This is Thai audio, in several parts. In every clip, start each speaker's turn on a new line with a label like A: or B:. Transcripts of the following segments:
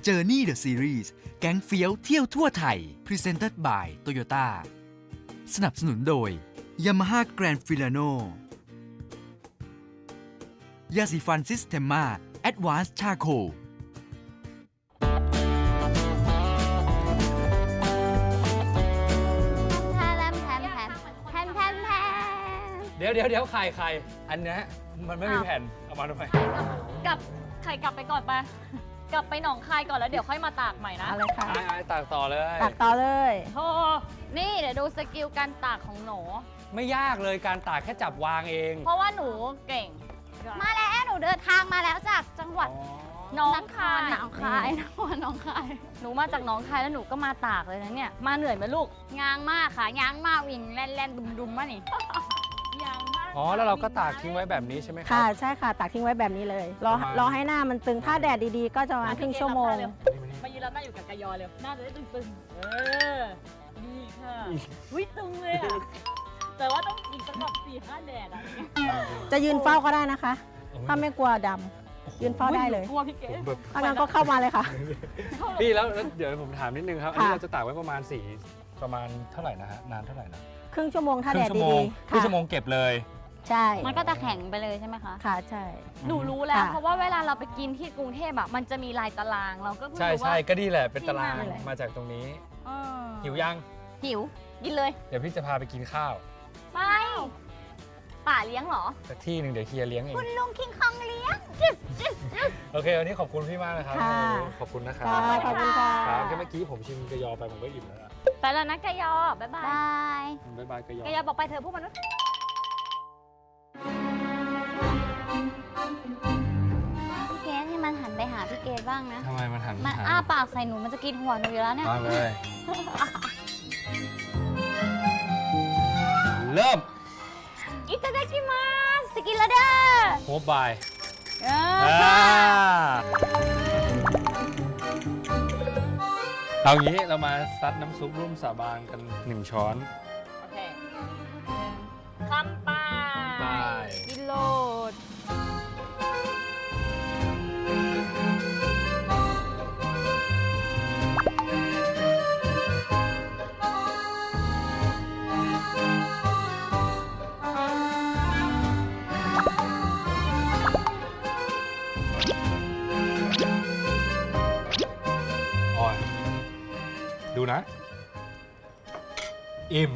A: Journey the Series แก๊งเฟี้ยวเที่ยวทั่วไทย Presented by Toyota สนับสนุนโดย Yamaha Grand Filano ยาสีฟันซิสเทมมา Advanced Charcoal
B: เดี๋ยวไข่อันนี้มันไม่มีแผ่นเอามาทำไม
C: กลับไปก่อนไปกลับไปหนองคายก่อนแล้วเดี๋ยวค่อยมาตากใหม่นะ
D: เอาเลยค่ะ
B: ไอ้ตากต่อเลย
D: ตักต่อเลย
C: โธ่นี่เดี๋ยวดูสกิลการตากของหนู
B: ไม่ยากเลยการตากแค่จับวางเอง
C: เพราะว่าหนูเก่ง
E: มาแล้วหนูเดินทางมาแล้วจากจังหวัด
C: หน้องคาย
E: หนองคายนครหนองคาย
C: หนูมาจากหนองคายแล้วหนูก็มาตากเลยนะเนี่ยมาเหนื่อยไหมลูก
E: ยางมากค่ะยางมากวิ่งแล่นดุมๆมานี่
C: ยางมาก
B: อ๋อแล้วเราก็ตากทิ้งไว้แบบนี้ใช่ไหมครั
D: ค่ะใช่ค่ะตักทิ้งไว้แบบนี้เลย รอให้หน้ามันตึงถ้าแดดดีๆ ก็จะประมาณครึ่งชั่วโมง
C: มายืนรับหน้าอยู่กับกายอเร็วหน้าจะได้ตึงๆดีค่ะวิตึงเลยอ่ะแต่ว่าต้องอีกสักแบบ4-5 แดดอ่ะ
D: จะยืนเฝ้าก็ได้นะคะ ถ้าไม่กลัวดำยืนเฝ้าได้เลย
C: กลัวพี่เก๋
B: แบบ
D: ถ้างั้นก็เข้ามาเลยค่ะ
B: พี่แล้วเดี๋ยวผมถามนิดนึงครับอันนี้
D: ค่ะ
B: เราจะตากไว้ประมาณเท่าไหร่นะฮะนานเท่าไหร่นะ
D: ครึ่งชั่วโมงถ้าแดด
B: ครึ่งชั่วโม
D: ดี
B: ง
D: ๆ
B: ครึ่ง
D: ค่ะ
B: ชั่วโมงเก็บเลย
D: ใช่
E: มันก็จะแข็งไปเลยใช่ไหมคะ
D: ค่ะใช่
C: หนูรู้แล้ว
D: ค่ะ
C: เพราะว่าเวลาเราไปกินที่กรุงเทพอ่ะมันจะมีลายตารางเราก็เพิ่ง
B: ใช่
C: รู้ว่า
B: ใช่ก็ดีแหละเป็นตาราง
C: ที่มาเลย
B: มาจากตรงนี้
C: เออ
B: หิวยัง
C: หิวกินเลย
B: เดี๋ยวพี่จะพาไปกินข้าว
C: ไปป่าเลี้ยงเหรอ
B: สักที่หนึ่งเดี๋ยวเฮียเลี้ยงเอง
E: คุณลุงคิงคองเลี้ยง
B: โอเควันนี้ขอบคุณพี่มากนะครับ
D: ค่ะ
B: ขอบคุณนะครับ
D: ค่ะขอบคุณค่ะ
B: ครับแค่เมื่อกี้ผมชิมกระยอไปผมก็อิ่มแล้วนะ
C: ไปแล้วนะกายอบ๊ายบาย
E: บาย
B: บ๊ายบายกระยอ
C: กายอบอกไปเถอะพวกมนุษย์
E: พี่เกดให้มันหันไปหาพี่เกดบ้างนะ
B: ทำไมมันหัน
E: มันอ้าปากใส่หนูมันจะกินหัวหนูอยู่แล้วเนี่ย
B: มาเลย เริ่ม
C: อิตาดากิมาส
E: สกินแล้วเด้อ
B: โฮบาย
C: เออ
B: เอางี้เรามาซัดน้ำซุปร่วมสาบานกัน1 ช้อน
C: โอเคคำป้า
B: ไป
C: กิโลด
B: อ่อนดูนะ อิ่ม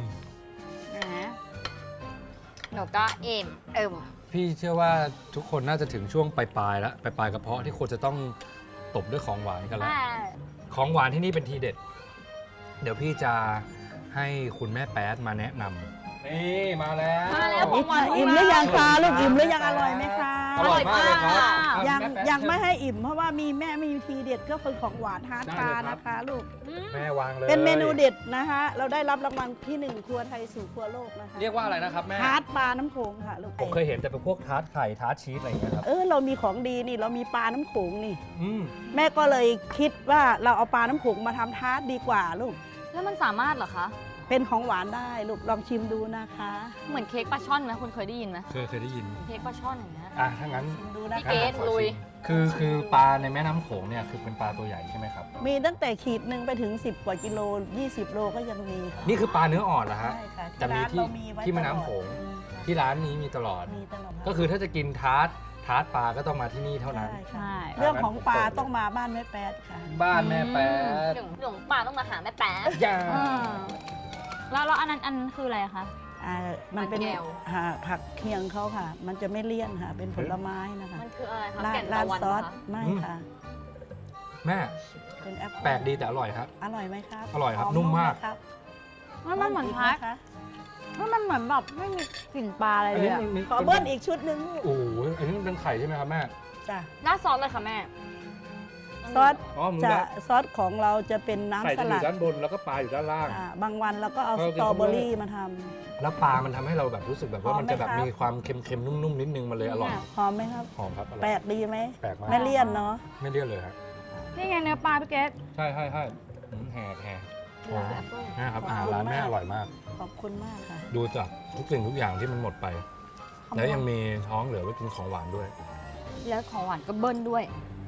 E: หนูก็เอ็ม
B: พี่เชื่อว่าทุกคนน่าจะถึงช่วงปลายๆแล้วปลายๆกระเพาะที่ควรจะต้องตบด้วยของหวานกันแล้ว ของหวานที่นี่เป็นทีเด็ด เดี๋ยวพี่จะให้คุณแม่แป๊ดมาแนะนำนี่มาแล้ว
C: มาแล้วของหวาน
F: อิ่มหรือยังคะลูกอิ่มหรือยังอร่อยไหมคะ
B: อร่อยมากเลยครับ
F: ยังไม่ให้อิ่มเพราะว่ามีแม่มีทีเด็ดก็คือของหวานฮาร์ดคาร์นะคะลูก
B: แม่วางเลย
F: เป็นเมนูเด็ดนะคะเราได้รับรางวัลที่ 1 ครัวไทยสู่ครัวโลกนะคะ
B: เรียกว่าอะไรนะครับแม่
F: ฮาร์ดปลาน้ำโขงค่ะลูก
B: ผมเคยเห็นแต่เป็นพวกทาร์ตไข่ทาร์ตชีสอะไรอย่างเงี้ยครับ
F: เรามีของดีนี่เรามีปลาน้ำโขงนี่
B: อืม
F: แม่ก็เลยคิดว่าเราเอาปลาน้ำโขงมาทำทาร์ตดีกว่าลูก
C: แล้วมันสามารถเหรอคะ
F: เป็นของหวานได้ลูกลองชิมดูนะคะ
C: เหมือนเค้กปลาช่อนนะคุณเคยได้ยินไหม
B: เคยได้ยิน
C: เค้กปลาช่อนอย่างเงี้ย
B: ถ้างั้น
F: ชิมดูนะ
C: พี่
F: คะ
C: เกดลุย
B: คือปลาในแม่น้ำโขงเนี่ยคือเป็นปลาตัวใหญ่ใช่ไหมครับ
F: มีตั้งแต่ขีดหนึ่งไปถึง 10 กว่ากิโล 20 โลก็ยังมีค่ะ
B: นี่คือปลาเนื้ออ่อนเหรอฮะ
F: ใช่ค่ะ
B: แต่มี
F: ร้าน
B: ที่
F: เรามีไว้
B: ที่แม่น้ำโขง
F: ตลอด
B: ที่ร้านนี้มีตลอด
F: มีตลอด
B: ก็คือถ้าจะกินทาร์ตปลาก็ต้องมาที่นี่เท่านั้น
F: ใช่
C: ใช่
F: ค่ะเรื่องของปลาต้องมาบ้านแม่แป๊ดค่ะ
B: บ้านแม่แป๊ด
C: หลงป่าต้องมาหาแม่แป๊ะ
B: ย่า
C: แล้วอันนั้นคืออะไรคะ
F: มันเป็น
C: มันแก้ว
F: ผักเคียงเขาค่ะ มันจะไม่เลี่ยนค่ะ เป็นผลไม้นะคะ
C: มันคืออะไรคะ
F: รา
C: แก่
F: ด
C: น
F: รา
C: ตะ
F: ด
C: วัน
F: ซอส
C: เหรอคะ
F: ไม่ค่ะ
B: แม่
F: เป็นแอปเปิ้ล
B: แปลกดีแต่อร่อยครับ
F: อร่อยไหมครับ
B: อร่อยครับ
F: ห
B: นุ่มมาก
F: ไหครับ
C: มันเหมือนพัก
F: คะ
C: มันเหมือนแบบไม่มีกลิ่นปลาอะไร
B: อัน
C: เลย
B: นี้
C: อะ
B: มันมี
F: ขอเบิ้ลอีกชุดหนึ่งลูก
B: โอ้โหอันนี้มันเป็นไข่ใช่ไหมครับแม่
F: จ้ะ
C: ราดซอสเลยค่ะแม่
F: ซอส
B: อ๋อมึง
F: จะ
B: ละ
F: ซอสของเราจะเป็น
B: ไข่
F: น้ำส
B: จะอ
F: ลั
B: ยู่
F: ด
B: ด้านบนแล้วก็ปลาอยู่ด้านล่าง
F: บางวันเราก็เอา
B: เอ
F: ส
B: อกิน
F: ตรอเบอ
B: ข้าวโพด
F: รี่มาทำ
B: แล้วปลามันทำให้เราแบบรู้สึกแบบว่า
F: หอม
B: มันจะแบบ
F: ไหมครับ
B: มีความเค็มๆนุ่มๆนิดนึงมันเลยอร่อย
F: หอมไหมครับ
B: หอมครับอร่
F: แปล
B: อย
F: กดีไหม
B: แปลกมาก
F: ไม่เลี่ยนเนาะ
B: ไม่เลี่ยนเลยครับ
C: นี่ไงเนื้อปลาพี่เกด
B: ใช่แห่โอ้โหนะครับอาหารร้านแม่อร่อยมาก
F: ขอบคุณมากค่ะ
B: ดูจากทุกสิ่งทุกอย่างที่มันหมดไป แล้วยังมีท้องเหลือไว้กินของหวานด้วย
C: แล้วของหวานก็เบิ้ลด้วย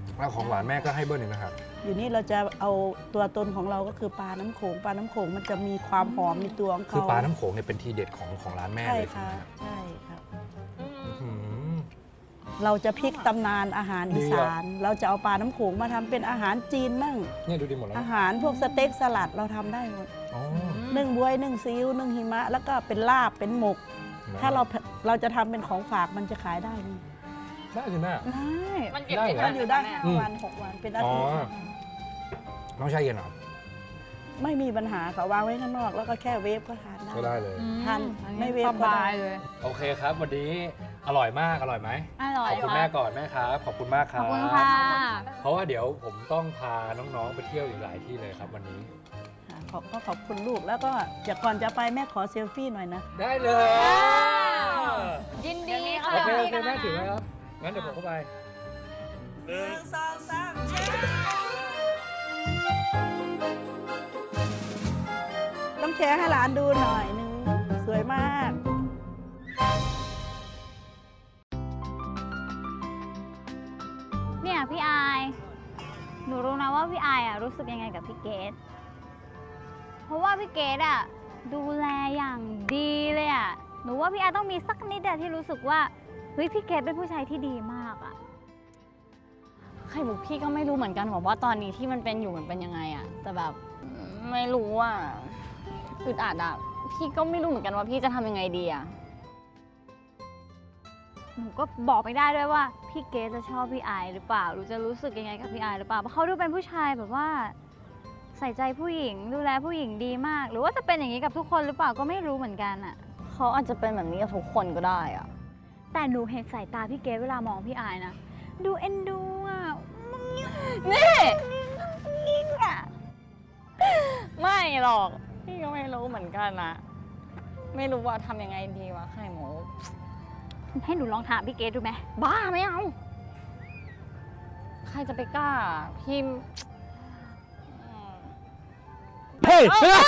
B: แล้วของหวานแม่ก็ให้เบิ้ลอีกนะครับ
F: อยู่นี่เราจะเอาตัวตนของเราก็คือปลาน้ำโขง ปลาน้ำโขงมันจะมีความหอมในตัวของเขา
B: คือปลาน้ำโขงเนี่ยเป็นทีเด็ดของร้านแม่
F: ใช่
B: เลย
F: ค่ะ
B: ใช่ไหมครับ
F: ใช่ครับ
B: อืม
F: เราจะพลิกตำนานอาหารอีสาน เราจะเอาปลาน้ำโขงมาทำเป็นอาหารจีนมั่ง
B: เนี่ยดูดีหมดแล้ว
F: อาหารพวกสเต็กสลัดเราทำได้หมด
B: อ๋อ
F: นึ่งบวยนึ่งซีอิ๊วนึ่งหิมะ แล้วก็เป็นลาบเป็นหมก ถ้าเราจะทำเป็นของฝากมันจะขายได้ไหม
B: ได้สิแม่
F: ได้
C: มันเก็บ
B: ได้
C: ได้
B: เหร
F: มันอยู่ได้
C: แม่
F: 5 วัน 6 วันเป็นอาทิตย์
B: อ๋อ น้องชายเย็นเหรอ
F: ไม่มีปัญหาค่ะวางไว้ข้างนอกแล้วก็แค่เวฟก็ทานได้
B: ก็ได้เลย
F: ทานไม่เวฟ
C: ส
F: ก็ได้
C: บายเลย
B: โอเคครับ วันนี้อร่อยมากอร่อยไหม
E: อร่อ
B: ข
E: ย
B: อบคุณแม่ก่อนแม่ครับ ขอบคุณมากค
E: ข
B: รั
E: อ
B: บบ
E: คุณค่ะ
B: เพราะว่าเดี๋ยวผมต้องพาน้องๆไปเที่ยวอีกหลายที่เลยครับวันนี้
F: ค่ะก็ขอบคุณลูกแล้วก็ก่อนจะไปแม่ขอเซลฟี่หน่อยนะ
B: ได้เลย
E: ยินดี
B: โอ
E: ค่ะ
B: เคโอเคแม่ถือไว้ครับ งั้นเดี๋ยวผมเข้าไป
F: ต้องแชร์ให้หลานดูหน่อยนึงสวยมาก
E: เนี่ยพี่อาย หนูรู้นะว่าพี่อายอ่ะรู้สึกยังไงกับพี่เกดเพราะว่าพี่เกดอ่ะดูแลอย่างดีเลยอ่ะ หนูว่าพี่อายต้องมีสักนิดอะที่รู้สึกว่าเฮ้ยพี่เกดเป็นผู้ชายที่ดีมากอ่ะ
C: ไข่มุกพี่ก็ไม่รู้เหมือนกันว่าตอนนี้ที่มันเป็นอยู่มันเป็นยังไงอะแต่แบบไม่รู้อะอึดอัดอะพี่ก็ไม่รู้เหมือนกันว่าพี่จะทำยังไงดีอะ
E: หนูก็บอกไม่ได้ด้วยว่าพี่เกดจะชอบพี่อายหรือเปล่าหรือจะรู้สึกยังไงกับพี่อายหรือเปล่าเพราะเขาดูเป็นผู้ชายแบบว่า ใส่ใจผู้หญิงดูแลผู้หญิงดีมาก หรือว่าจะเป็นอย่างนี้กับทุกคนหรือเปล่าก็ไม่รู้เหมือนกันอะ
C: เขาอาจจะเป็นแบบนี้กับทุกคนก็ได้อะ
E: แต่หนูเห็นสายตาพี่เกดเวลามองพี่อายนะดูเอ็นดูอ่ะ
C: นี่ไม่หรอกพี่ก็ไม่รู้เหมือนกันนะไม่รู้ว่าทำยังไงดีวะไข่มุก
E: ให้หนูลองถามพี่เกดดูไหม
C: บ้าไม่เอาใครจะไปกล้าพี่
B: เฮ้ย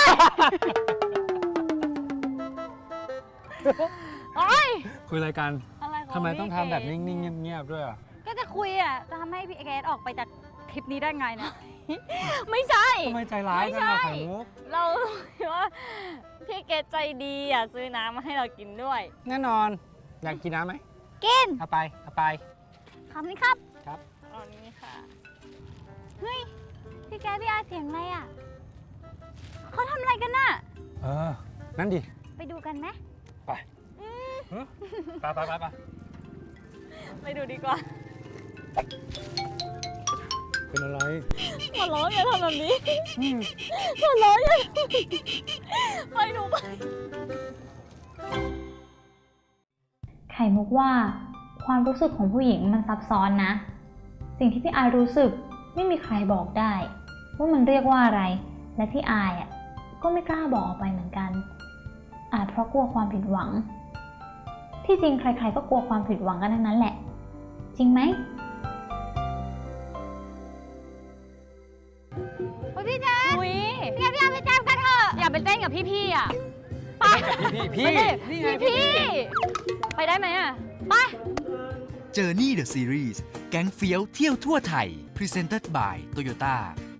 C: โอ๊ย
B: คุยรายการ
C: อะไรของ
B: ทำไมต้อง
C: พี่
B: ทำแบบ
C: เก๋
B: นิ่งๆเงียบๆด้วยอ่ะ
E: ก็จะคุยอ่ะจะทำให้พี่เกดออกไปจากทริปนี้ได้ไงนะ
C: ไม่ใช่
B: ทำไมใจร้ายจังอะไข่มุก
C: เราว่าพี่เกดใจดีอ่ะซื้อน้ำมาให้เรากินด้วย
B: แน่นอน อยากกินน้ำไหม
E: กิน
B: เอาไป เอาไป
E: คำนี้ครับ
B: ครับ
C: อันนี้ค่ะ
E: เฮ้ยพี่แกพี่อาเสียงอะไรอ่ะเขาทำอะไรกันน่ะ
B: เออ นั่นดิ
E: ไปดูกันไหม
B: ไปไปไปไปไป
C: ไปดูดีกว่า
B: เป็นอะไร
C: ขอร้องอย่าทำแบบนี้ขอร้องอย่าทำแบบนี้ไปดูไป
G: ไข่มุกว่าความรู้สึกของผู้หญิงมันซับซ้อนนะ สิ่งที่พี่อายรู้สึกไม่มีใครบอกได้ ว่ามันเรียกว่าอะไร และพี่อายก็ไม่กล้าบอกออกไปเหมือนกัน อาจเพราะกลัวความผิดหวัง ที่จริงใครๆก็กลัวความผิดหวังกันทั้งนั้นแหละ จริงไหม
E: โอ้ยพี่แจ๊ค
C: อุ้ย
E: พี่แกพี่อาไปแจมกันเถอะ
C: อย่าไปเต้นกับพี่ๆอ่ะ ไป
B: พี่
C: ไม่ได้
B: นี่ไง
C: พี่ไปได้ไหมอ่ะ ไป
A: Journey the Series แก๊งเฟี้ยวเที่ยวทั่วไทย Presented by Toyota